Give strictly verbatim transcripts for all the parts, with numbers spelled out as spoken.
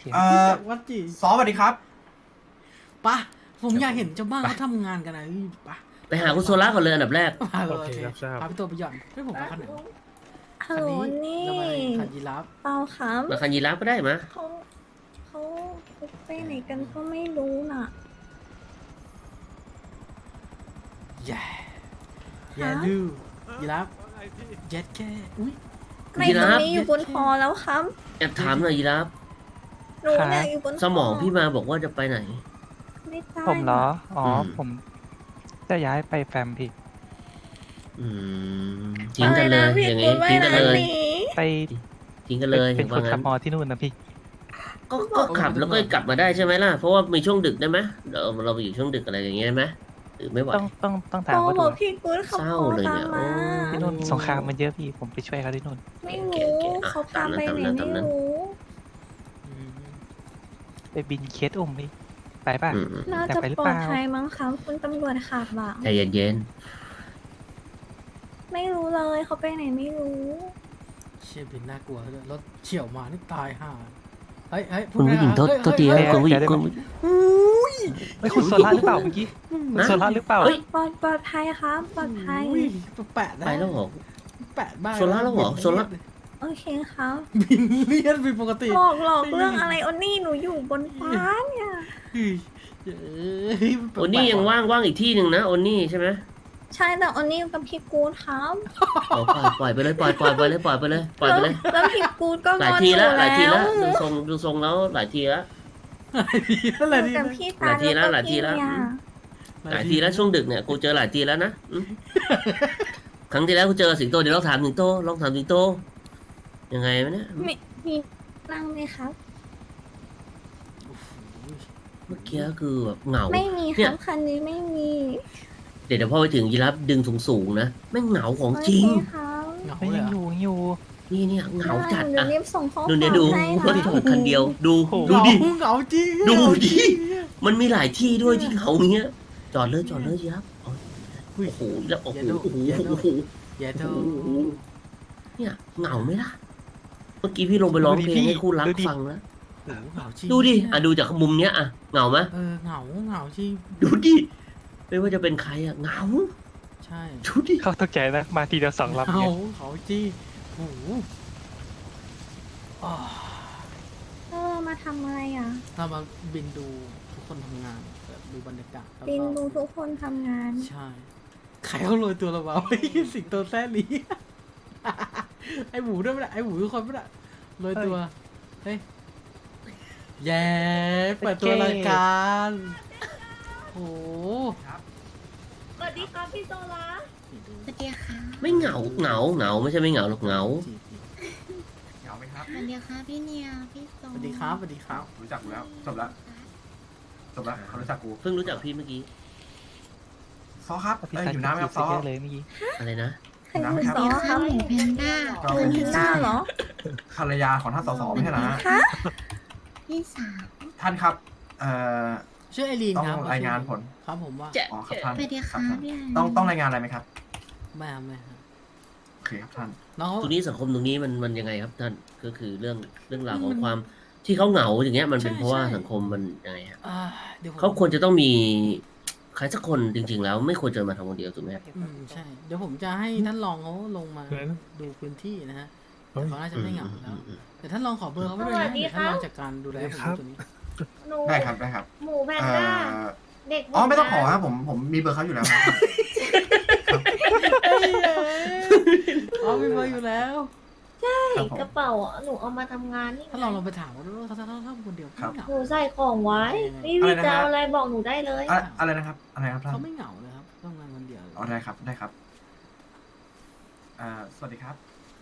เอ่อวัดจีซอสวัสดีครับปะผมอยากเห็นเจ้าบ้านเขาทำงานกันนะปะไปหาคุณโซล่าก่อนเลยอันดับแรกพาเลโอย เคครับทราบพาพี่ตัวไปหย่อนเฮ้ยผมมาคันไหนฮัลโหลนี่ทำไมคันยีราฟเปล่าครับมาคันยีราฟก็ได้มะเขาเขาไปไหนกันก็ไม่รู้น่ะแย่แย่ดูยีราฟเจ็ดแค่อุ้ยไม่ตรงนี้อยู่บนคอแล้วครับแอบถามหน่อยยีราฟหนูเนี่ยอยู่บนคสมองพี่มาบอกว่าจะไปไหนไม่ได้ผมเหรอ อ๋ออมผมจะย้ายไปแฟมพี่อืมทิ้งกันเลยอะไระพี่อย่างกูงี้ไม่ทิ้งกันนะเลยหนีไปทิ้งกันเลยเป็นคว่าน งั้ขับนมอที่นู่นนะพี่ก็ก็ขับแล้วก็กลับมาได้ใช่ไหมล่ะเพราะว่ามีช่วงดึกได้ไหมเราเราไปอยู่ช่วงดึกอะไรอย่างเงี้ยได้ไหมหรือไม่ไหวต้องต้องต้องถามโอ้ว่าบดูอกพี่กูเขาเศร้าพอเลยตาเนี่มยมาโอ้ที่นู่นสงครามมันเยอะพี่ ผมไปช่วยเขาที่นู่นไม่รู้เขาตามไปไหนไม่รู้อืมไปบินเคสอุ้มพี่ ไปป่ะอืมอืมน่าอยากจะไปหรือปลเปอล่าดภัยมั้งครับคุณตำรวจขับอ่ะใจเย็นไม่รู้เลยเขาไปไหนไม่รู้เชี่ยเป็นน่ากลัวเลยรถเฉี่ยวมานี่ตายห่าเฮ้ยเฮ้ยๆคุณผู้หญิงโทษเฮ้ยโทษทีเฮ้ยนะคุณผู้หญิงเดี๋ยวคุณไม่คุณโซล่าหรือเปล่าเมื่อกี้คุณโซล่าหรือเปล่าเฮ้ยปลอดปลอดภัยครับปลอดภัยอุ้ยแปะนะไปแล้วเหรอแปะบ้างโซล่าแล้วเหรอโซล่าโอเคครับบินเลียนเป็นปกติหลอกหลอกเรื่องอะไรโอนี่หนูอยู่บนฟ้าเนี่ยเฮ้ยเฮ้ยแปลกๆโอนี่ยังว่างว่างอีกที่หนึ่งนะโอนี่ใช่ไหมใช่แต่โอนี่กับพี่กูดครับเอาปล่อยปล่อยไปเลยปล่อยปล่อยไปเลยปล่อยไปเลยปล่อยไปเลยแล้วพี่กูดก็หงลายอนทีหนูแล้วหลายทีแล้แล้ว วดูทรงดูทรงแล้วหลายทีแล้วอะไรหนูดีกับนะพี่หลาตายทีแล้วก็หลายทีแล้วพี่อะหลายทีแล้วช่วงดึกเนี่ยกูเจอหลายทีแล้วนะอืมครั้งที่แล้วกูเจอสิงโตเดี๋ยวลองถามสิงโตลองถามสิงโตยังไงวะเนี่ยมีมีนั่งไหมครับเมื่อกี้คือแบบเหงาไม่มีคเนี่รัยบคันนี้ไม่มีเดี๋ยวเดี๋ยวพอไปถึงยีราฟดึงสูงๆนะแม่งเหงาของจริงโอเคครับเหงาไม่เลยัยงเหรออยู่ยังอยู่นี่เนี่ยเหงาจัดเดี๋ยวอ่ะรีบส่งข้อความดูเนี่ยดูให้รถนะจอดคันเดียว ดูโอ้โหดูดิเหงาจริงดูดิเหงาจริงมันมีหลายที่ด้วยที่เหงาอย่างเงี้ยจอดเลยจอดเลยยีราฟโอ้อุ้ยโหแล้วโอ้โหอย่าดูโอ้โหอย่าดูโอ้โหอย่าดูเนี่ยเหงาไหมล่ะเมื่อกี้พี่ลงไปร้องเพลงให้คู่รักฟังแล้วโอ้โหเหงาจริงดูดิอ่ะดูจากมุมเนี้ยอ่ะเหงาไหมเออเหงาเหงาจริงดูดิไม่ว่าจะเป็นใครอ่ะเหงาใช่ดูดิเขาตกใจนะ มาทีเดียวสองลำเหงาเนี่ยเหงาจริงโอ้โหอ่าเออมาทำอะไรอ่ะเรามาบินดูทุกคนทำงานแบบดูบรรยากาศแล้วก็บินดูทุกคนทำงานใช่ใครเขาโรยตัวเราบ้างสิงโตแซ่ลีไอหมูด้วยไม่ได้ไอหมูทุกคนไม่ได้โรยตัวเฮ้ยแย่เปิดตัวรายการโอ้โหสวัสดีครับพี่โซลานี่ดูสวัสดีค่ะไม่เหงาเหงาเหงาไม่ใช่ไม่เหงาหรอกเหงาจีบเหงาไหมครับสวัสดีค่ะพี่เนียพี่โซสวัสดีครับสวัสดีครับรู้จักกูแล้ว จบแล้ว จบแล้วเขารู้จักกูเพิ่งรู้จักพี่เมื่อกี้ซอครับพี่เอ้ยซันอยู่น้ำไหมครับซอเยอะเลยเมื่อกี้อะไรนะใครคือซอครับหมูแพนด้าก็หมูเป็นแพนด้าเหรอภรรยาของท่านสสไม่ใช่เหรอฮะคะพี่สาวท่านครับ เอ่อชื่อไอรีนต้องครับรายงานผลครับผมว่าจะอ๋อครับท่านสวัสดีคครัรับบ ท่านพี่ต้องต้องรายงานอะไรไหมครับแม่แม่ครับโอเคครับท่านน้องเขาตรงนี้สังคมตรงนี้มันมันยังไงครับท่านก็คือเรื่องเรื่องราวของความที่เขาเหงาอย่างเงี้ยมันเป็นเพราะว่าสังคมมันยังไงฮะอ่าเดี๋ยวผมเขาควรจะต้องมีใครสักคนจริง ๆ แล้วไม่ควรจะมาทำคนเดียวถูกไหมครับอืมใช่ เดี๋ยวผมจะให้ท่านรองเขาลงมาเฮ้ยดูพื้นที่นะฮะเฮ้ยเขาน่าจะไม่เหงาแล้วอืมแต่ท่านรองขอเบอร์เขาไว้ด้วยนะเดี๋ยวท่านรองจัดการดูแลผมตัวนี้หนูได้ครับได้ครับหมูแพนเอ่ด้าอเด็กอ๋อไม่ต้องขอครับผมผมมีเบอร์เขาอยู่แล้วครับอ๋อมีเบอร์อยู่แล้วครับผมกระเป๋าอ่ะหนูเอามาทำงานนี่ท่านรองลองไปถามเขาด้วยว่าถ้าถ้าถ้าคนเดียวเขาไม่เหงาหนูใส่ของไว้พี่อะไรพี่นะฮะจะเอาอะไรบอกหนูได้เลยอะอะไรนะครับ อะไรครับท่านเขาไม่เหงาเลยครับต้องงานคนเดียวอ๋อได้ครับได้ครับอ่าสวัสดีครับ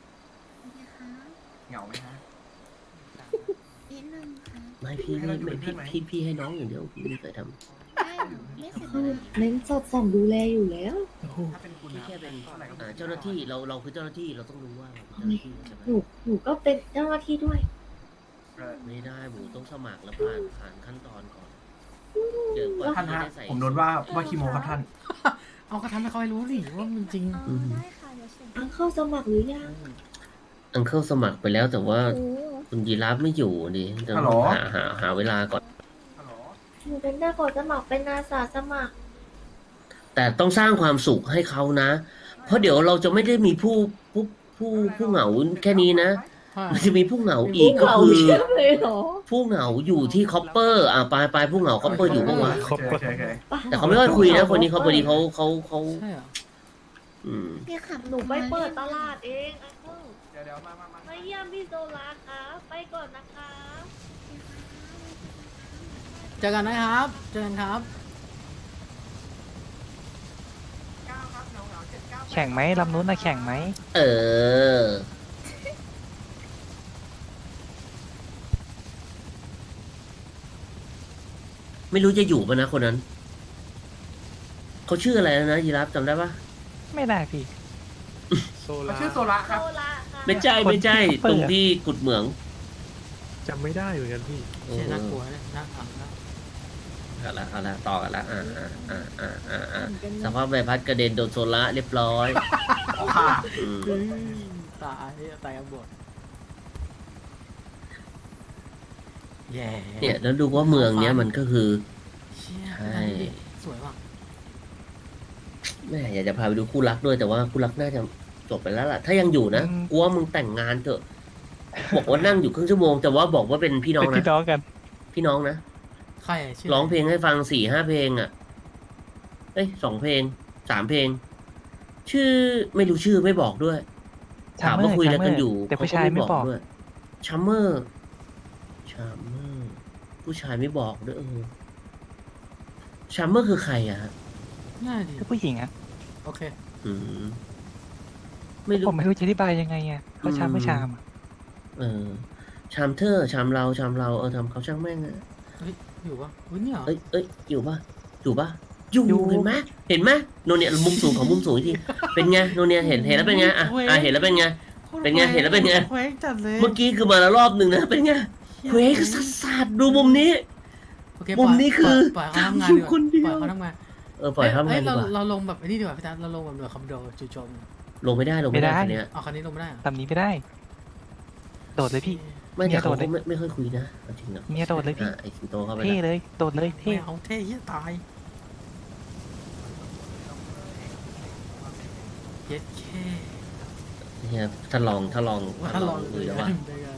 เหงาไหมฮะนิดนึงค่ะไม่พี่ไม่ไม่พี่พี่พี่ให้น้องอย่างเดียวพี่ไม่เคยทำได้หนูไม่เสร็จเลยเน้นสอดส่องดูแลอยู่แล้วถ้าเป็นคุณพี่นะแค่เป็นท่าไหร่ครับเอ่อเจ้าหน้าที่เราเราคือเจ้าหน้าที่เราต้องรู้ว่าเราเป็นเจ้าหน้าที่ใช่ไหมหนูหนูก็เป็นเจ้าหน้าที่ด้วยเอ่อไม่ได้หมูต้องสมัครแล้วผ่านผ่านขั้นตอนก่อนเดี๋ยวกว่าท่านที่ฮะจะได้ใส่ผมโดนว่าว่าคีโมครับท่านเอาก็ทำให้เขาให้รู้สิว่ามันจริงอ๋อได้ค่ะเดี๋ยวส่งอังเข้าสมัครหรือยังอังเคิลสมัครไปแล้วแต่ว่าโอ้คุณยีราฟไม่อยู่ดิต้ฮัอลโหลงหาหาหาเวลาก่อนฮัลโหลหนูเป็นได้กดสมัครเป็นอาสาสมัครแต่ต้องสร้างความสุขให้เขานะ เพราะเดี๋ยวเราจะไม่ได้มีผู้ผู้ผู้ผู้เหงาแค่นี้นะใช่มันจะมีผู้เหงาอีกก็เราคือเชื่อเลยเหรอผู้เหงาอยู่ที่คอปเปอร์อ่ะปลายปลายผู้เหงาคอปเปอร์อยู่ปะวะโอเคโอเคโอเคแต่เขาไม่ค่อยคุยนะคนนี้เขาพอดีเขาเขาเขาใช่เหรออืมพี่ขับหนูไปเปิดตลาดเองอ้าวเดี๋ยวเดี๋ยวมามามามาเยี่ยมพี่โซลาครับไปก่อนนะคะเจอกันนะครับเจอกันครับเก้าครับเหงาเหงาเจ็ดเก้าแข่งไหมลำนู้นนะแข่งไหมเออ ไม่รู้จะอยู่ปะนะคนนั้น เขาชื่ออะไรนะยีราฟจำได้ปะไม่ได้พี่เขาชื่อโซระครับโซลาค่ะไม่ใช่ไม่ใช่คนที่ตรงเปิดที่กุดเหมืองจำไม่ได้เหมือนกันพี่เอเชี่ยอน่ากลัวเนี่ยน่าขำนะเอาละเอาละต่อกันละอ่าอ่าอ่าอ่าอ่าอ่าสภาพใบพัดกระเด็นโดนโซล่าเรียบร้อยค่ะอืมเฮ้ยตายตายอับบดแย่เนี่ยแล้วดูว่าเมืองเนี้ยมันก็คือเชี่ยใช่สวยว่ะแม่อยากจะพาไปดูคู่รักด้วยแต่ว่าคู่รักน่าจะจบไปแล้วล่ะ ถ้ายังอยู่นะอืมกูว่ามึงแต่งงานเถอะ บอกว่านั่งอยู่ครึ่งชั่วโมงแต่ว่าบอกว่าเป็นพี่น้องเป็นพี่นะน้องกันพี่น้องนะใครอะชื่อร้องเพลงให้ฟังสี่ห้าเพลงอ่ะ เอ้ยสองเพลงสามเพลง ชื่อไม่รู้ชื่อไม่บอกด้วย ถามว่าคุยอะไรกันอยู่แต่ผู้ชายไม่บอกด้วยชัมเมอร์ชัมเมอร์ผู้ชายไม่บอกด้วยเออชัมเมอร์คือใครอะฮะง่ายดีคือผู้หญิงอะโอเคอืม ไม่รู้ผมไม่รู้จะอธิบายยังไงอะเขาชามไม่ชามอะเออ ชามเธอชามเราชามเราเออทำเขาช่างแม่งอะเฮ้ยอยู่ปะอุ้ยเนี่ยเหรอเอ้ยเอ้ยอยู่ปะอยู่ปะอยู่เห็นไหมเห็นไหมโนเนียมุมสูงของมุมสูงอีกทีเป็นไงโนเนียเห็นเห็นแล้วเป็นไงอ่ะอ่ะเห็นแล้วเป็นไง เป็นไงเห็นแล้วเป็นไงเควกจัดเลยเมื่อกี้คือมาแล้วรอบหนึ่งนะเป็นไงเควกสัสสัสดูมุมนี้โอเคมุมนี้คือปล่อยเขาทำงานอยู่ดีกว่าคนเดียวปล่อยเขาทำงานเออปล่อยทำงานเอ้ยดีเรากว่าเราลงแบบไอ้นี่ดีกว่าพี่ตาเราลงแบบหน่วยคอมโดจู่โจมลงไม่ได้ลงไม่ได้คันเนี้ยเอาคันนี้ลงไม่ได้เหรอลำนี้ไม่ได้ โดดเลยพี่ไม่แต่เขาเมียโดดเลยก็ไม่ไม่ค่อยคุยนะเอาจริงนะเมียโดดเลยพี่อ่ะไอ้สิงโตเข้าไปเท่นะเลย โดดเลยเท่ไม่เอาเท่เหี้ยตายเย็ดแค่เนี่ยถ้าลองถ้าลองว่าถ้าลลออง งดูดูแล้วว่าว่า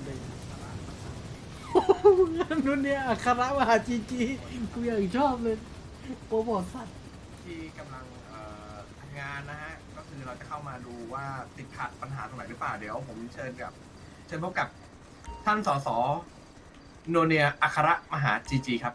นู่นเนี่ยอัคระมหาจีจีกูอยากชอบเลยโปรโมทสัตว์ที่กำลังเอ่อทำงานนะฮะ ก็คือเราจะเข้ามาดูว่าติดขัดปัญหาตรงไหนหรือเปล่า เดี๋ยวผมเชิญกับ เชิญพบกับท่านสสโนเนียอัครมหาจีจีครับ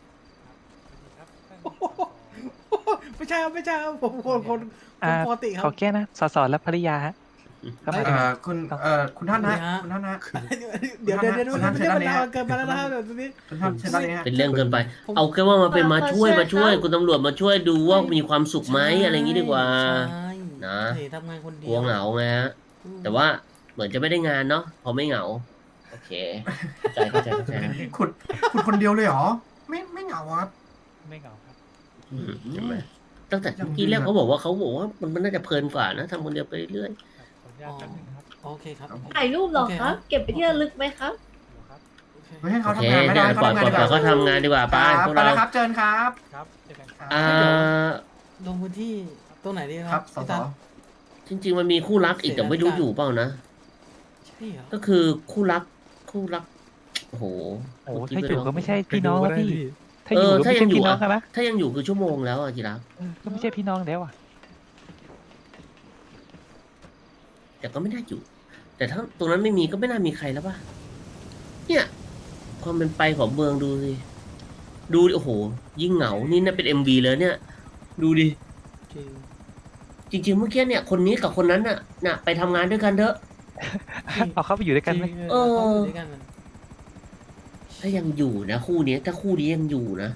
ไม่ใช่ครับไม่ใช่ครับผมคนคนคอ่านปกติครัขอบ แก้นะสสและภริยาฮะเข้ามาเอ่อคุณเอ่อคุณท่านนะคุณท่านนะเดี๋ยวเดี๋ยวเดี๋ยวคุณเดี๋ยวท่านไม่ใช่เชิญมันด้านนี้นานเกินไปแล้วนะครับเดี๋ยวตรงนี้คุณท่านเชิญด้านนี้ฮะเป็นเรื่องเกินไปผมเอาแค่ว่ามาเป็นมาช่วยขอมาช่วยเชิญครับคุณตำรวจมาช่วยดูว่ามีความสุขไหมอะไรอย่างนี้ดีกว่าใช่นะเฮ้ยทำงานคนเดีกลัวเหงาไงฮะ แต่ว่าเหมือนจะไม่ได้งานเนาะพอไม่เหงา โอเคเข้าใจเข้าใจเข้าใจครับขุดขุดคนเดียวเลยเหรอ ไม่ไม่เหงาครับไม่เหงาครับอืมใช่ไหมตั้งแต่เมื่อกี้แรกเขาบอกว่าเขาบอกว่ามันมันน่าจะเพลินกว่านะทำคนเดียวไปเรื่อยขออนุญาตแป๊บนึงครับโอเคครับถ่ายรูปเหรอครับ เก็บไปที่ระลึกไหมครับโอเคไม่ให้โอเขาเคทำงานไม่ได้เนี่ยเขาปล่อยทำงานปล่อยดีกปล่อยว่าเขาทำงานดีกว่าไป้าครับพวกไปเราแล้วครับเชิญครับครับเจอกันครับอ่าลงพื้นที่ตรงไหนดีคครัรับบ สพี่สตาจริง ๆ มันมีคู่รักอีกแต่ไม่รู้อยู่เปล่านะใช่เหรอก็คือคู่รักคู่รักโอ้โหโอ้ถ้าอยู่ก็ไม่ใช่พี่น้องแล้วพี่ ถ้าเออยู่อก็ถ้าไม่ยัใช่งอยู่พี่น้องอะกันนะถ้ายังอยู่คือชั่วโมงแล้วอะจีรักเออก็ไม่ใช่พี่น้องแล้วอ่ะแต่ก็ไม่น่าอยู่ แต่ถ้าตรงนั้นไม่มีก็ไม่น่ามีใครแล้วป่ะเนี่ยความเป็นไปของเมืองดูสิดูดิโอ้โห ยิ่งเหงานี่น่าเป็นเอ็มวีเลยเนี่ย ดูดิจริงจริง ๆ เมื่อกี้เนี่ยคนนี้กับคนนั้นน่ะน่ะไปทำงานด้วยกันเถอะเอาเข้าไปอยู่ด้วยกันไหมจริงเออเขาอยู่ด้วยกันมันถ้ายังอยู่นะคู่นี้ถ้าคู่นี้ยังอยู่นะ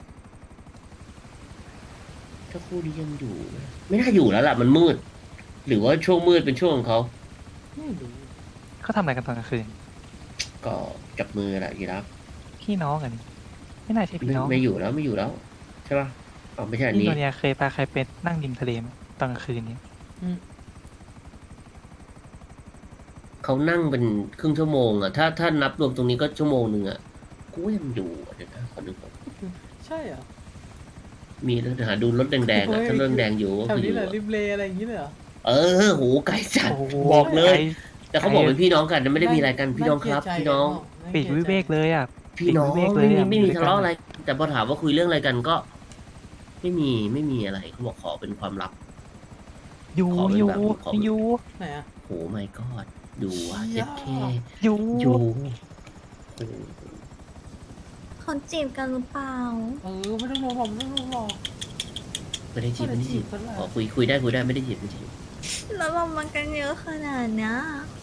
ถ้าคู่นี้ยังอยู่นะไม่น่าอยู่แล้วล่ะมันมืด หรือว่าช่วงมืดเป็นช่วงของเขาไม่รู้เขาทำอะไรกันตอนกลางคืนก็จับมือแหละยีรับพี่น้องอันนี้ไม่น่าใช่พี่ไม่น้องไม่อยู่แล้วไม่อยู่แล้ว ใช่ป่ะอ๋อไม่ใช่อันพี่นี้โนเนียเคยพาใครไปนั่งริมทะเลไหมตอนกลางคืนนี้เเขานั่งเป็นครึ่งชั่วโมงอะถ้าถ้านับรวมตรงนี้ก็ชั่วโมงหนึ่งอะกูว่ายังอยู่อะเดี๋ยวนะขอดูก่อนใช่เหรอมีแล้วเดี๋ยวหาดูรถแดงๆอะถ้ารถแดงอยู่ก็แถวคืออนี้ยู่แหละอะริมเลอะไรอย่างงี้เลยเหรอเออโหไกลจัดโอ้โหบอกเลยไกแต่เขาบอกเป็นพี่น้องกันนะไม่ได้มีอะไรกันพี่น้องครับาเกลียดใจพี่น้องาปีกวิเวกเลยอ่ะพี่น้องปีกวิเวกเลไม่ยมีอะไม่มีอยู่ด้วยกันทะเลาะอะไร แต่พอถามว่าคุยเรื่องอะไรกันก็ ไม่มีไม่มีอะไรเขาบอกขอเป็นความลับอยู่ขอเป็นอยู่แบบขอเป็นอยู่ไหนอะโหไม่กอดดูว่าเชี่เจ็ยดเคอยู่อยู่โอ้โหเขาจีบกันหรือเปล่าเออไม่ต้องรอผมไม่ต้องรอไม่ได้จีบไม่ได้จีบไม่ได้จีบเท่าไหร่ขอคุยคุยได้คุยได้ไม่ได้จีบไม่ได้จีบแล้วเรามากันเยอะขนาดเนี้ย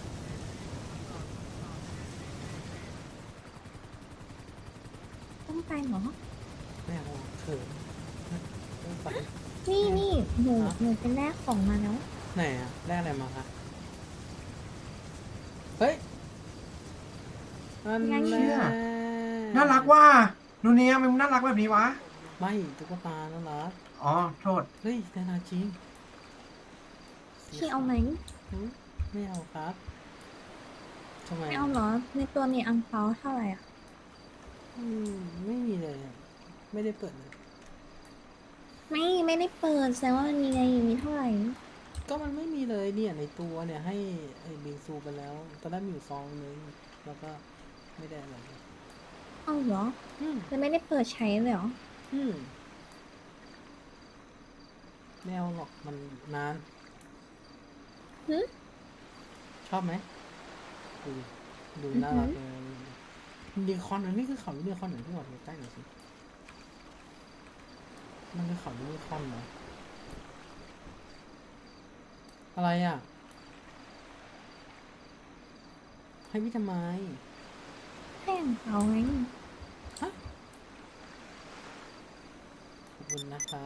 ต้องไปเหรอไม่เอาเขินไม่ไปนี่นี่หนูฮะหนูเป็นแรกของมาแล้วไหนอะแลกอะไรมาคะเฮ้ยนั่นงั้นแหเชี่ยละน่ารักว่านูเนียมันน่ารักแบบนี้วะไม่ตุ๊กตาน่ารักอ๋อโทษเฮ้ยนานาจริงพี่เอาไหมหืมไม่เอาครับทำไมไม่เอาเหรอ ในตัวมีอังเปาเท่าไหร่อ่ะอืมไม่มีเลยอะไม่ได้เปิดเลยไม่ไม่ได้เปิดแสดงว่ามันมีไงมีเท่าไหร่ก็มันไม่มีเลยเนี่ยในตัวเนี่ยให้ไอ้บิงซูไปแล้วตอนแรกมีอยู่ซองนึงแล้วก็ไม่ได้อะไรเลยเอาเหรออืมแล้วไม่ได้เปิดใช้เลยเหรออืมไม่เอาหรอกมันนานหึชอบไหมดูดูน่ารักเลยยูนิคอร์นอันนี้คือเขายูนิคอร์นหนึ่งที่หวัดใกล้หน่อยสิมันคือเขายูนิคอร์นเหรออะไรอ่ะ ให้พี่ทำไมให้อังเปาไงขอบคุณนะครับ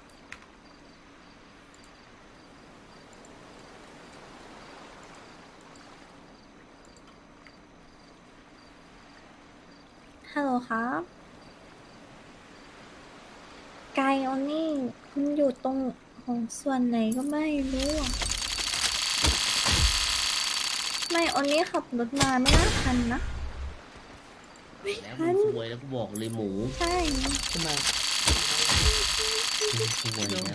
ฮัลโหลครับไกลออนนี่คุณอยู่ตรงของส่วนไหนก็ไม่รู้อะไม่ออนนี่ขับรถมาไม่น่าทันนะแล้วมึงสวยแล้วกูบอกเลยหมูใช่ทำไมมึงสวยแล้ว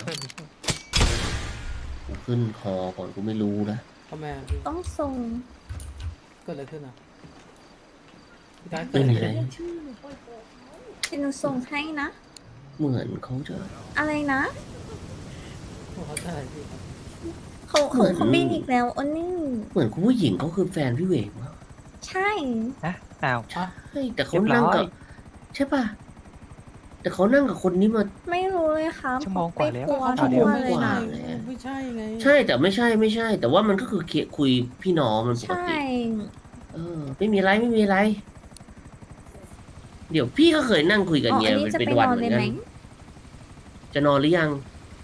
กูขึ้นคอก่อนกูไม่รู้นะทำไมอะพี่ต้องส่งเกิดอะไรขึ้นอ่ะพี่ตายเกิไม่ดอะไรมีอะไรขึ้นชื่อหนูปล่อยตัวเขาเป็นหนูส่งให้นะเหมือนเขาจะอะไรนะผมเข้าใจพี่ครับเขาเหมืเขาอนเขาบินอีกแล้วออนนี่เหมือนคุณผู้หญิงเขาคือแฟนพี่เวกมั้งใช่นะอ้าวอ่ะเฮ้ยแต่เขานั่งกับเรียบร้อยใช่ป่ะแต่เขานั่งกับคนนี้มาไม่รู้เลยครับชั่วโมงกว่าแล้วไปกลัวชั่ทุวกโมงวันเลยกว่านะเลยไม่ใช่ไงใช่แต่ไม่ใช่ไม่ใช่ แต่ว่ามันก็คือเคลียร์คุยพี่น้องมันปกใช่ติเออ ไม่มีอะไรไม่มีอะไร เดี๋ยวพี่ก็เคยนั่งคุยกับอ๋อเมีอัยนนี้เป็นจะเป็นไปวันนอนเหมืเลอย นไหกัมนจะนอนหรือยัง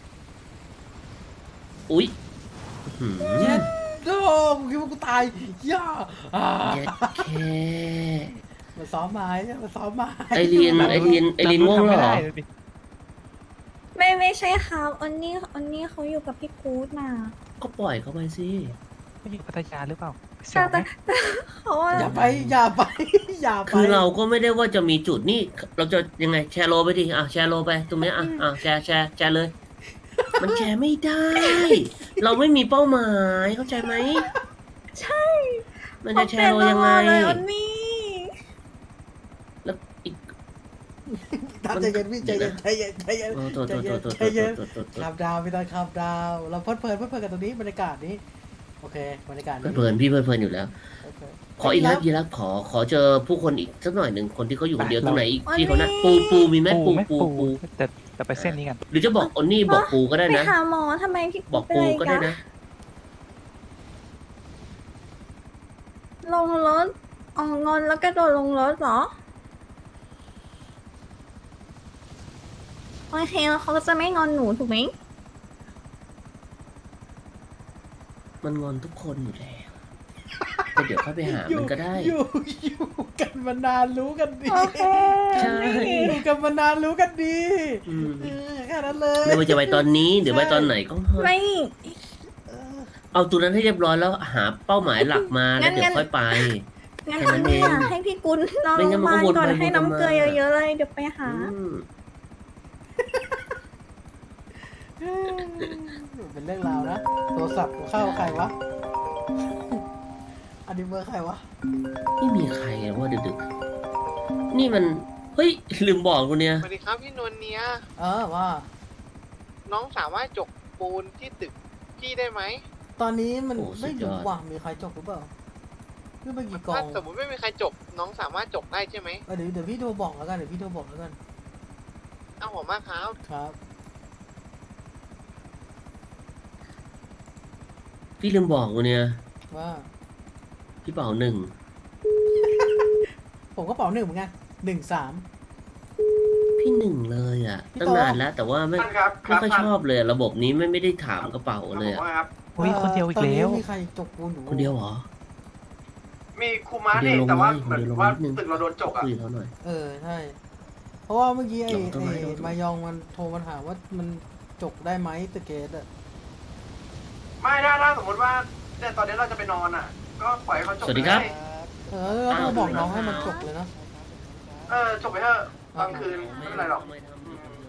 อุ๊ยหืมเย็ดโดกูคิดว่ากูตายย่าอ่าเย็ดแค่มาซ้อมไม้มาซ้อมไม้ไอเรียนไอเรียนไอเรียนง่วงแล้วเหรอทำไม่ได้เลยดิไม่ไม่ใช่ครับออนนี่ออนนี่เขาอยู่กับพี่กู๊ดมาก็ปล่อยเขาไปสิผู้หญิงพัทยาหรือเปล่าเสีแต่ยวไหมแต่แต่เขาอะอย่าไปอย่าไปอย่าไปคือเราก็ไม่ได้ว่าจะมีจุดนี่เราจะยังไงแชร์โลไปดิอ่ะแชร์โลไปตรงเนี้ยอ่ะอ่ะแชร์แชร์แชร์เลย มันแชร์ไม่ได้ เราไม่มีเป้าหมายเข้าใจไหมใช่มันจะแชร์โลยังไงเขาเป็นละครเลยออนนี่แล้วอีกตามใจเย็นพี่ใจเย็นใจเย็นใจเย็นโอ้ตัวตัวตัวตัวใจเย็นตัวตัวตัวขับดาวพี่ตอนขับดาวเราเพลิดเพลินเพลิดเพลินกับตรงนี้บรรยากาศนี้โอเคบรรยากาศนี้เพลินๆพี่เพลินๆอยู่แล้วโอเคขออีกแล้วยีรับขอขอเจอผู้คนอีกสักหน่อยหนึ่งคนที่เขาอยู่คนเดียวตรงไหนอีกที่เขานัดปูปูมีไหมปูไหมปูปูปูแต่แต่ไปเส้นนี้กันหรือจะบอกอนนี่บอกปูก็ได้ไปนะหาหมอทำไมพี่บอกเป็นปูไรก็ได้กันนะลงรถอ๋องอนแล้วกระโดดลงรถเหรอโอเคแล้วเขาก็จะไม่งอนหนูถูกไหมมันงอนทุกคนอยู่แล้วแต่เดี๋ยวค่อยไปหามันก็ได้อยู่อยู่กันมานานรู้กันดีโอเคใช่อยู่กันมานานรู้กันดีอืมเออแค่นั้นเลยไม่ว่าจะไปตอนนี้หรือไปตอนไหนก็เถอะไม่เออเอาตัวนั้นให้เรียบร้อยแล้วหาเป้าหมายหลักมาแล้วงั้นเดี๋ยวงั้นค่อยไปงั้นแค่นั้นทำเนี่ยเองให้พี่กุลนอนไม่โรงั้งนพมันยาก็บาลก่อนวนไปให้วนมาน้ำเกลือเยอะๆเลยเดี๋ยวไปหาอืมเป็นเรื่องราวนะ โทรศัพท์เข้าใครวะ อันนี้เบอร์ใครวะไม่มีใครอะว่าดึกๆนี่มัน เฮ้ย ลืมบอกกูเนี่ยสวัสดีครับพี่นวลเนียเออว่าน้องสามารถจกปูนที่ตึกพี่ได้ไหมตอนนี้มันโอ้สุไม่ดยรู้อดว่ามีใครจบหรือเปล่าคือไปกี่กล่อถ้าง สมมติไม่มีใครจก น้องสามารถจกได้ใช่ไหมเออเดี๋ยวเดี๋ยวพี่โทรบอกแล้วกันเดี๋ยวพี่โทรบอกแล้วกันเอาผมมากครับครับพี่ลืมบอกกูเนี่ยว่าพี่เป่าหนึ่งผมก็เป๋าหนึ่งเหมือนกันหนึ่งสามพี่หนึ่งเลยอ่ะพี่ตั้งโตนานแล้วแต่ว่าไม่ท่านครับคไม่รับค่อยท่านชอบเลยอะระบบนี้ไม่ไม่ได้ถามกระเป๋าเลยผมอะว่าครับอุ้ยคนเดียวอีกตอนนี้แล้วมีใครจกปูนอยู่คนเดียวเหรอมีครูมาคนเดีนี่ยวลงแต่ว่าเลยเหมือนคนเดียวลงว่านิดนึงตึกเราโดนจกอ่ะคุยกับเขาหน่อยเออใช่เพราะว่าเมื่อกี้ไอ้ลองต้นไม้ไอ้ลองต้นไม้มายองมันโทรมาถามว่ามันจกได้ไหมตะเกตอะไม่ถ้าถ้าสมมติว่าเนี่ยตอนนี้เราจะไปนอนอ่ะ ก็ปล่อยให้เขาจกสวัสดีครับเลยเออแล้วก็บอกน้องให้มันจกเลยนะเออจบไปเถอะกลางคืนไม่เป็นไรหรอกไม่ทำ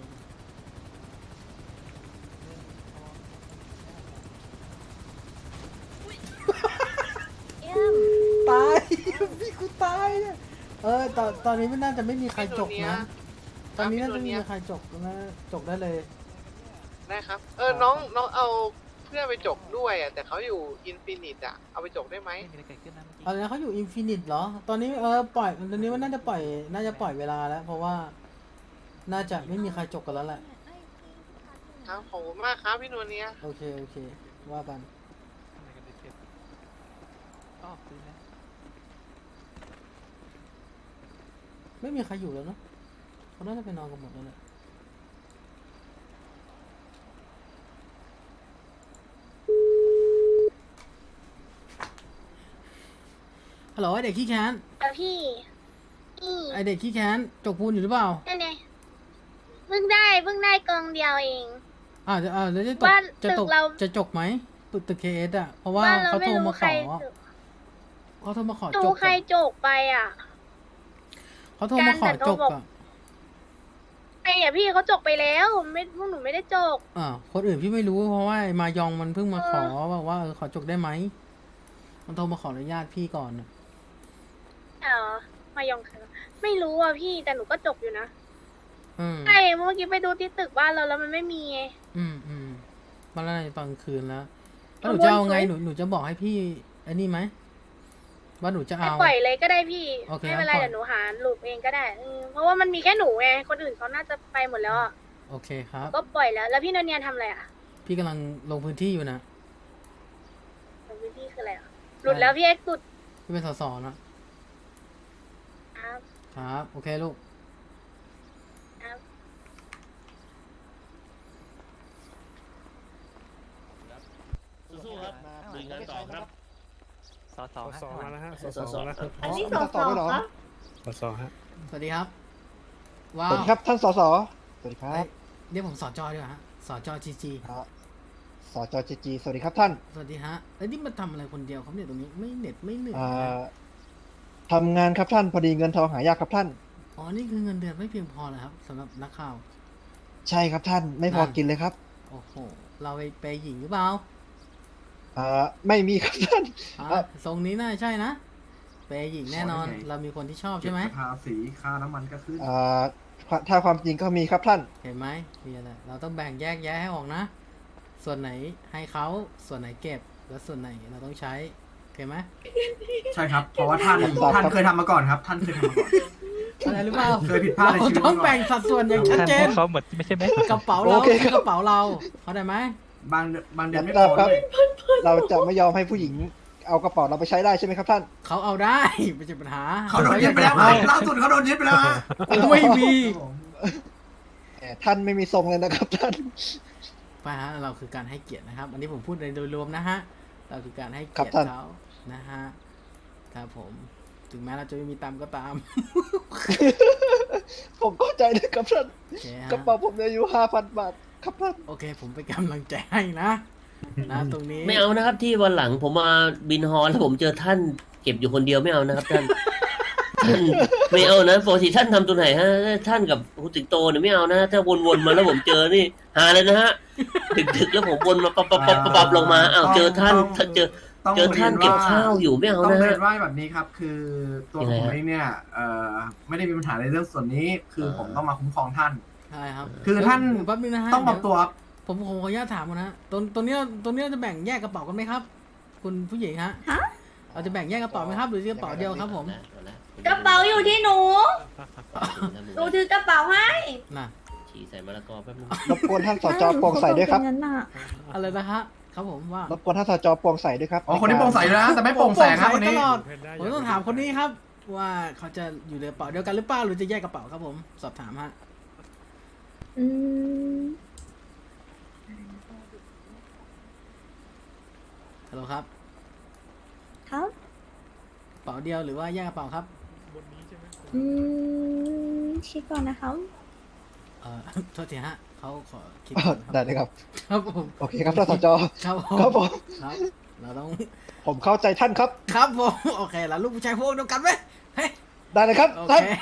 เยี่ยมตาย พี่กูตายเนี่ยเออตอนตอนนี้ไม่น่าจะไม่มีใครจกนะ ตอนนี้น่าจะไม่มีใครจกนะจกได้เลยได้ครับ เออ น้องน้องเอาเพื่อนไปจกด้วยอ่ะ แต่เขาอยู่อินฟินิตอ่ะ เอาไปจกได้ไหมไม่มีอะไรเกิดขึ้นนะเมื่อกี้อะไรนะเขาอยู่อินฟินิตเหรอ ตอนนี้เออปล่อยตอนนี้มันน่าจะปล่อยน่าจะปล่อยเวลาแล้ว เพราะว่า น่าจะไม่มีใครจกกันแล้วแหละครับขอบคุณมากครับพี่นวลเนียโอเคโอเค ว่ากันทำไมกันได้เก็บอ๋อคืนแล้วไม่มีใครอยู่แล้วเนอะเขาน่าจะไปนอนกันหมดแล้วแหละฮัลโหลไอเด็กขี้แค้นเดี๋ยวพี่พี่ไอเด็กขี้แค้นจกปูนอยู่หรือเปล่านั่นไงเพิ่งได้เพิ่งได้กองเดียวเองอ่าจะอ่าจะจะตกบ้านจะตตึกกเราจะจกไหมตึกตึกเคเอสอ่ะ เพราะว่าบ้านเราเขาไม่โทรรู้มาใคขรอเขาโทรมาขอดูจกใครอะจกไปอ่ะเขาโทรมาขอการแต่จโทรกบอกอ่ะไอ้อะพี่เขาจกไปแล้วไม่พวกหนูไม่ได้จกอ่าคนอื่นพี่ไม่รู้เพราะว่าไอ้มายองมันเพิ่งมาขอเออบอกว่าเออขอจกได้ไหมมันโทรมาขออนุญาตพี่ก่อนอะเออมายองคือไม่รู้อ่ะพี่แต่หนูก็จกอยู่นะอืมใช่เมื่อกี้ไปดูที่ตึกบ้านเราแล้วมันไม่มีไงอืมอืมมาแล้วในตอนคืนแล้วแล้วขหนูบวนจะเอาไงสวยหนูหนูจะบอกให้พี่ไอ้นี่ไหมว่าหนูจะให้เอาปล่อยเลยก็ได้พี่โอเคไม่เป็นไรปล่อยเดี๋ยวหนูหาลูปเองก็ได้อืมเพราะว่ามันมีแค่หนูไงคนอื่นเขาน่าจะไปหมดแล้วอ่ะโอเคครับก็ปล่อยแล้ว แล้วพี่นนเนียนทำอะไรอ่ะพี่กำลังลงพื้นที่อยู่นะลงพื้นที่คืออะไรอ่ะหลุดแล้วพี่เอ็กซ์หลุดพี่เป็นสสนะครับ ครับโอเคลูกครับสู้ๆครับลุยงานต่อครับสอสอสอฮะมาแล้วฮะสสออสสออแล้วครับอันนี้สองสองครับสอสอฮะสวัสดีครับว้าสววัสดีครับท่านสสสวัสดีครัเอ้บยเรียกผมสจดีกว่าฮะสจจีจีครับสจจจีสวัสดีครับท่านสวัสดีฮะแล้วนี่มาทำอะไรคนเดียวครับเนี่ยตรงนี้ไม่เหน็ดไม่เหนื่อยอ่นะาทำงานครับท่านพอดีเงินทองหายากครับท่านอ๋อนี่คือเงินเดือนไม่เพียงพอเลยครับสำหรับนักข่าวใช่ครับท่านไม่พอนั่นกินเลยครับโอ้โหเราไปเปย์หญิงหรือเปล่าอ่าไม่มีครับท่านอ่ะอ่ะทรงนี้น่าใช่นะเปย์หญิงแน่นอนขอได้ไงเรามีคนที่ชอบใช่ไหมเก็บภาษีค่าน้ำมันก็ขึ้นอ่าถ้าความจริงก็มีครับท่านเห็นไหมมีอะไรเราต้องแบ่งแยกแยะให้ออกนะ ส่วนไหนให้เขาส่วนไหนเก็บแล้วส่วนไหนเราต้องใช้โอเคไหมใช่ครับ เพราะว่าท่านครับท่านเคยทำมาก่อนครับ ท่านเคยทำมาก่อนอะไรหรือเปล่าเคยผิดพลาดในชีวิตเราต้องมาก่อนแบ่งสัดส่วนอย่างชัดท่านเจพูนดเขาเหมือนไม่ใช่ไหมกระเป๋าเราโอเคครับกระเป๋าเราเข้าใจไหมบางบางเดือนไม่ครัพบอครับด้วยเราจะไม่ยอมให้ผู้หญิงเอากระเป๋าเราไปใช้ได้ใช่ไหมครับท่านเขาเอาได้ ไม่ใช่ปัญหาเขาโดนยึดไปแล้วครับล่าสุดเขาโดนยึดไปแล้วฮะไม่มีครับผมแต่ท่านไม่มีทรงเลยนะครับท่านไปฮะเราคือการให้เกียรตินะครับ อันนี้ผมพูดในโดยรวมนะฮะเราคือการให้ครัเกีบยรติท่านเขานะฮะครับผมถึงแม้เราจะไม่มีตังค์ก็ตามผมเข้าใจเลยครับท่านโอเคฮะกระเป๋าผมเหลืออยู่ห้าพันบาทครับท่านโอเค ผมเป็นกำลังใจให้นะนะตรงนี้ไม่เอานะครับที่วันหลังผมมาบินฮอแล้วผมเจอท่านเก็บอยู่คนเดียวไม่เอานะครับท่าน ท่านไม่เอานะปกติท่านทำตัวไหนฮะท่านกับคุณสิงโตเนี่ยไม่เอานะถ้าวนๆมาแล้วผมเจอนี่หาเลยนะฮะดึกๆแล้วผมวนมาปั๊บปั๊บปั๊บปั๊บลงมาอ้าวเจอท่านถ้าเจอต้องเจอท่านเก็บข้าวอยู่ไม่เอาต้องนะเรีฮะยนว่าแบบนี้ครับ คือตัวยังผไงมฮะเองเนี่ยเอ่อไม่ได้มีปัญหาในเรื่องส่วนนี้ คือเออผมต้องมาคุ้มครองท่านใช่ครับคือท่านแป๊บนึงนะฮะต้องปรับตัวครับผมผมขออนุญาตถามก่อนนะตรงตรงนี้ตรงนี้เราจะแบ่งแยกกระเป๋ากันไหมครับ คุณผู้หญิงฮะฮะเราจะแบ่งแยกกระเป๋าไหมครับ หรือกระเป๋าเดียวครับผมกระเป๋าอยู่ที่หนู หนูถือกระเป๋าให้น่ะฉี่ใส่มะละกอแป๊บนึงรบกวนท่านสจโปร่งใสด้วยครับงั้นน่ะอะไรนะฮะครับผมว่ารบกวนท่านสจโปร่งใสด้วยครับอ๋อคนนี้โปร่งใสนะแต่ไม่โปร่งแสงครับคนนี้ตลอดผมต้องถามคนนี้ครับ ว่าเขาจะอยู่ในกระเป๋าเดียวกันหรือเปล่าหรือจะแยกกระเป๋าครับผมสอบถามฮะอืมฮัลโหลครับครับกระเป๋าเดียวหรือว่าแยกกระเป๋าครับอืมคิดก่อนนะครับเอ่อ โทษทีฮะเขาขอคิดอ้าก่วอนได้ครับเลยครับครับผมโอเคครับท่านสจครับผมครับผมครับเราต้องผมเข้าใจท่านครับครับผมโอเคแล้วลูกผู้ชายพวกเดียวกันไหมเฮ้ยได้เลยครับโอท่านเค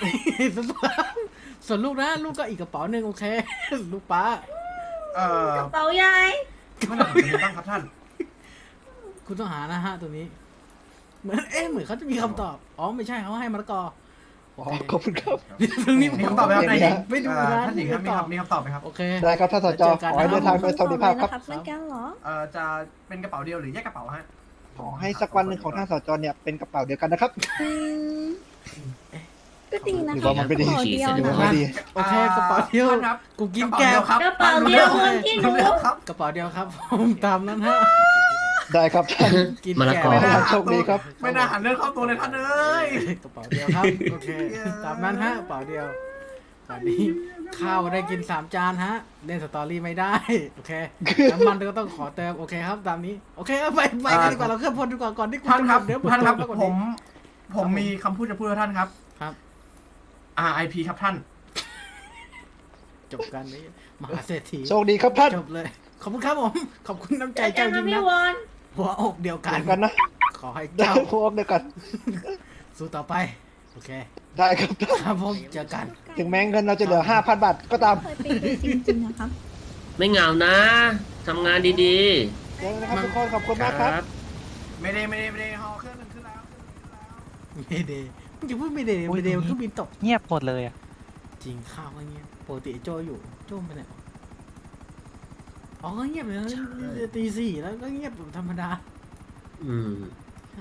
ส่วนลูกนะลูกก็อีกกระเป๋าหนึ่งโอเค ลูกป้าเอ่อกระเป๋าใหญ่เมื่อไหร่ผมจะบ้างครับท่านคุณต้องหานะฮะตรงนี้ เหมือนเอ๊ะเหมือนเขาจะมีคำตอบอ๋อไม่ใช่เขาให้มะละกออ๋อขอบคุณครับตรงนี้มีคำตอบไหมครับนายหญิงไม่ดูเอ่อนะท่านหญิงครับมีครับมีคำตอบไหมครับโอเคได้ครับท่านสจขอให้เดินทางโดยสวัสดิภาพครับเหมือนกันเหรอเอ่อจะเป็นกระเป๋าเดียวหรือแยกกระเป๋าฮะขอให้สักวันหนึ่งของท่านสจเนี่ยเป็นกระเป๋าเดียวกันนะครับอืมก็ดีนะหรือคะว่ามันไม่ดีขอเดียวหรือว่านะไม่ดีโอเคกระเป๋าเดียวท่านครับกูกินระเป๋าแก้วครับกระเป๋าเดียวคนที่หนูรู้เรื่องครับกระเป๋าเดียวครับ ผมตามนั้นฮะได้ครับท่านกินมะละแก้กอวไม่น่าโชคดีครับไม่น่าหันเรื่องเข้าตัวเลยท่านเอ้ยกระเป๋าเดียวครับโอเคตามนั้นฮะกระเป๋าเดียวตอนนี้ข้าวได้กินสามจานฮะเล่นสตอรี่ไม่ได้โอเคน้ำมันก็ต้องขอเติมโอเคครับตามนี้โอเคเอาไปไปกันดีกว่าเราเคลื่อนพลดีกว่าก่อนที่คุณท่านครับเดี๋ยวท่านครับมากกว่าผม ผมมีคำพูดจะพูดกับท่านครับครับอาร์ ไอ พี ครับท่านจบกันนี้มหาเศรษฐีโชคดีครับท่านจบเลย ขอบคุณครับผม ขอบคุณน้ำใจเจอกัเจ้าน จรินะงพี่นะวอนหัวอกเดียวกัเดีนยวกันนะขอให้ได้เจ้าพวกเดียวกันสู้ต่อไป โอเคได้ครับท่านครับผมเจอกันถึงแม้เงินเราจะเหลือห้าพันบาทก็ตามเคยเป็นจริงๆนะครับไม่เหงานะทำงานดีเดี๋ยวนะครับทุกคนขอบคุณๆ คมากครับรับไม่ได้ไม่ได้ไม่ได้ฮอเครื่องหนึ่งขึ้นแล้วเครื่องหนึ่งขึ้นแล้วไม่เดย์มึงจะพูดไม่เดย์ไม่เดย์มันก็บินตกเงียบหมดเลยอ่ะจริงข้าวก็เงียบปกติไอ้โจอยู่ โจไปไหนวะอ๋อก็เงียบเลยนะตีสี่แล้วก็เงียบแบบธรรมดาอืมใช่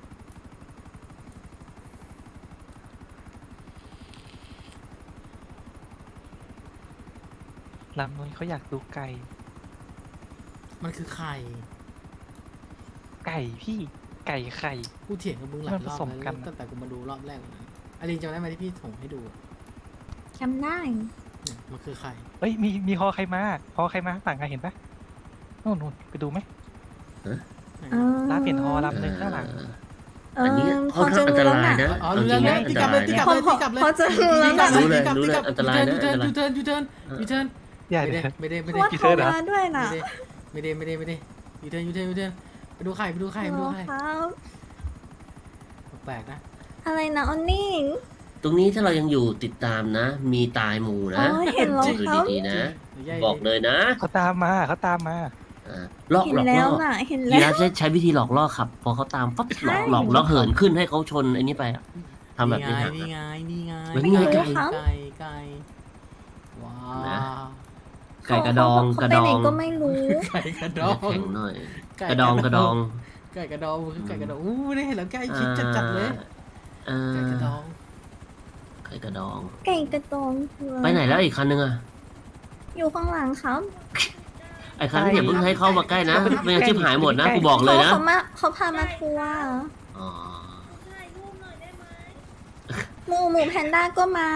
ลำนุ้ยเขาอยากดูไก่มันคือไข่ไก่พี่ ไก่ไข่กูเถียงกับมึงหลายมันรอบผสมแล้วกันตั้งแต่กูมาดูรอบแรกเลยนะอลินจำได้ไหมที่พี่ส่งให้ดูอะจำได้เนี่ยมันคือไข่เอ้ย มี มีฮอใครมาฮอใครมาข้างหลังอะเห็นปะนู่นนู่นไปดูไหมเออร้านเปลี่ยนฮอลำหนึ่งข้างหลังเออันนี้อพค่ออนข้าจะงอันรู้ตแล้วรายน่ะนะอ๋อเอารู้จริแล้วงรู้นะแล้วอันตีตกลับรายเลยนะตีกลับเลยตีกลับเลยพอจะรู้แล้วตีกลัน่ะบรู้เลยตีกลับรู้เลยตีกลับอันตรายนะยูเทิร์นอันตรายยูเทิร์นยูเทิร์นยูเทิร์นอย่าไม่เดี๋ได้ยวไม่ได้เพไม่ราะได้ว่าโทรมาด้วยน่ะไม่ได้ไม่ได้ไม่ได้ยูเทิร์นยูเทิร์นยูเทิร์นไปดูไข่ไปดูไข่ไปเหรดูอไข่ครับแปลกนะอะไรนะออนนี่ตรงนี้ถ้าเรายังอยู่ติดตามนะ มีตายหมู่อ๋นะอเห็นแล้วดูครับดีๆนะไม่ใช่บอกเลยนะเขาตามมาเขาตามมาอ่าหลอกเห็หนลอกแล้ล่วอน่ะ เห็นยีแล้ราว ฟใช้ใช้วิธีหลอกล่อขับ พอเขาตามปั๊บหลอกหลอกแล้วเหินขึ้นให้เขาชนไอ้นี่ไปอะทำแบบนี้นี่ไงฮะนี่ไงเหมือนนี่ไงไงไก่ไก่ไก่ว้านะวไก่กระดองเขากระไปดไหนองก็ไม่รู้ไก่กระดองแข็งหน่อยไก่กระดองกระดองไก่กระดองมันคือไก่กระดองอู้ไม่ได้เห็นแล้วใกล้ชิดจัดๆเลยอ่าไก่กระดองไก่กระดองไก่กระตองคืออะไปไหนแล้วอีกคันนึงอะอยู่ข้างหลังครับไอ้คันที่อย่าเพิ่งให้เข้ามาใกล้นะไม่งั้นชิบหายหมดนะกูบอกเลยนะเขามาเขาพามาทัวร์อ๋อถ่ายรูปหน่อยได้ไหมหมูหมูแพนด้าก็มา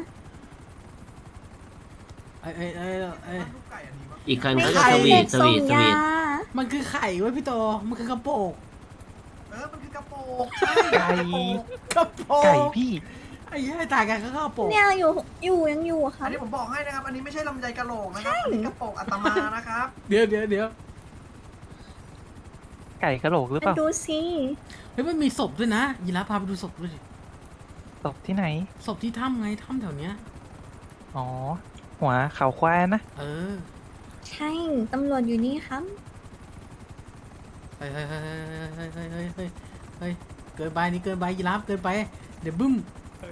ไอ้ไอ้ไอ้ไอ้ลูกไก่อันนี้วะอีกคันไม่ก็จะใช่สวีเด็ทกสส่วีงทสยาวีทมันคือไข่เว้ยพี่โตมันคือกระโปงเออ มันคือกระโปรงใช่ไก่กระโปงไก่พี่ไอ้เหี้ยตายกันก็กระโปงเนี่ยอยู่อยู่ยังอยู่อะครัอับนนี้ผมบอกให้นะครับ อันนี้ไม่ใช่ลำไยกะโหลกนะครับ อันนี้กระโปรงอัตมานะครับเดี๋ยวเดี๋ยวเดี๋ยวไก่กระโหลกหรือเปมาล่าดูสิเฮ้ยมันมีศพด้วยนะยีราฟพาไปดูศพด้วยดิตกที่ไหนศพที่ถ้ำไงถ้ำแถวเนี้ยอ๋อ หัวเขาควายนะเออใช่ตำรวจอยู่นี่ครับเฮ้ยเฮ้ยเฮ้ยเฮ้ยเฮ้ยเฮ้ยเฮ้ยเฮ้ยเกินไปนี่เกินไปยีราฟเกินไปเดี๋ยวบึ้ม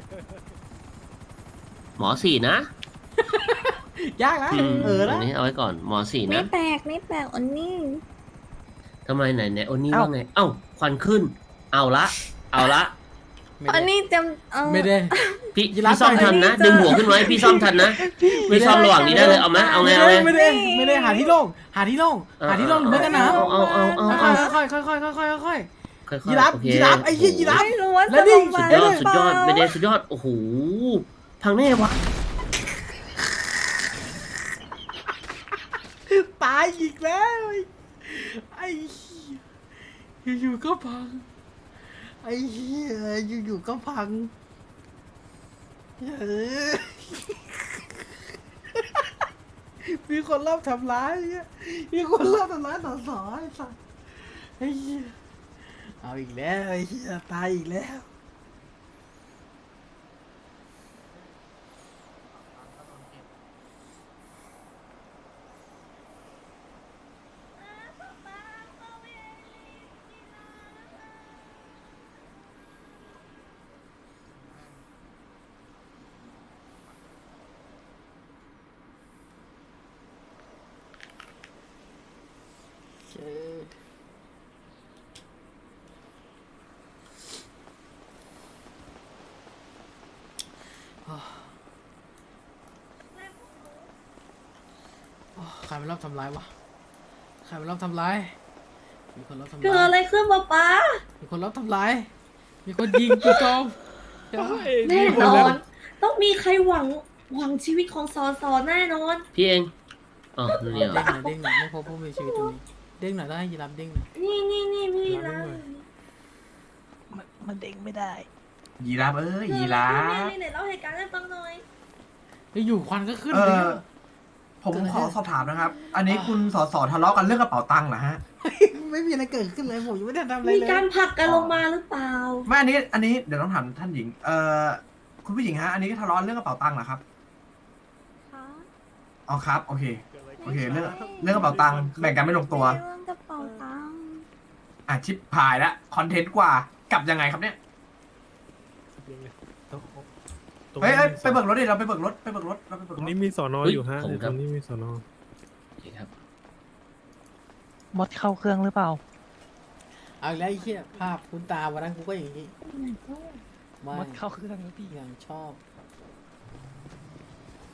หมอสี่นะยากนะอืมเอออันะนนี้เอาไว้ก่อนหมอสี่ไม่นะแปลกไม่แปลกอันนี้ทำไมไหนไหนโอนี่เอ้าว่าไง เอ้าควันขึ้น เอาละ เอาละไม่อันได้นี้จะเออไม่ได้พี่ยีราฟพี่ซ่อมทันนะอันนี้จะดึงหัวขึ้นไว้พี่ซ่อมทันนะไม่พี่ได้ซ่อมระหว่างนี้ได้เลยเอาไหมเอาไงเอาไงไม่ได้ไม่ได้หาที่โล่งหาที่โล่งหาที่โล่งหรือไม่ก็น้ำเอาเอาเอาเอาค่เอาอยๆค่อยๆค่อยๆค่อยๆค่อยๆค่อยค่อยๆยีราฟโอเคยีราฟไอ้เหี้ยยีราฟไม่รู้ว่าแล้จะวนี่ลงมาสุดยอดหรืสุดยอดเปล่าไม่ได้สุดยอดโอ้โหพังแน่วะตายอีกแล้วไอ้เหี้ยอยู่ๆก็พังไอ้เหี้ยอยู่ๆก็พังเออมีคนรอบทำร้ายเนี่ยมีคนรอบทำร้ายต่อสอไอ้สัสไอ้เหี้ยเอาอีกแล้วไอ้เหี้ยตายอีกแล้วเชยโอ้ใครมันรอบทำร้ายวะใครมันรอบทำร้าย มีคนรอบทำเกิดร้ายอะไรขึ้นป๊าป๊ามีคนรอบทำร้าย มีคนยิงกูจอมเดี๋ยวแน่นอน ต้องมีใครหวังหวังชีวิตของซอซอแน่นอนพี่เองอ๋อเนี่ยเด้งหน่อยเด้งหน่อยไม่พบผู้มีชีวิตตรงนี้เด้งหน่อยได้ยีรับเด้งหน่อยนี่นี่นี่พี่นะมันมันเด้งไม่ได้ยีราฟเอ้ยยีราฟนี่ไหนเล่าเหตุการณ์ให้ฟังหน่อยอยู่ๆควันก็ขึ้นเอเลยอ ผมขอสอบถามนะครับ อันนี้คุณสอสอทะเลาะกันเรื่องกระเป๋าตังค์เหรอฮะไม่มีอะไรเกิดขึ้นเลยผมยังไม่ได้ทำอะไรมีเลยการผลักกันลงมาหรือเปล่าไม่อันนี้ อันนี้เดี๋ยวต้องถามท่านหญิง เอ่อ คุณผู้หญิงฮะ อันนี้ก็ทะเลาะเรื่องกระเป๋าตังค์เหรอครับคะอ๋อครับ โอเค โอเค เรื่องเรื่องกระเป๋าตังค์แบ่งกันไม่ลงตัวเรื่องกระเป๋าตังค์อ่ะชิปพายละคอนเทนต์กว่า กลับยังไงครับเนี่ยตรงเฮ้ยเฮ้ยมีไปเบิกรถดิ เราไปเบิกรถ ไปเบิกรถ เราไปเบิกตรรงถนี้มีสอนอเฮ้ยอยู่ฮะผมในคตรัรบงนี้มีสอนอโอเคครับมดเข้าเครื่องหรือเปล่าเอาอีกแล้วไอ้เหี้ยภาพคุณตาวันนั้นกูก็อย่างนี้มไม่ดเข้าเครื่องแล้วพี่ยังชอบ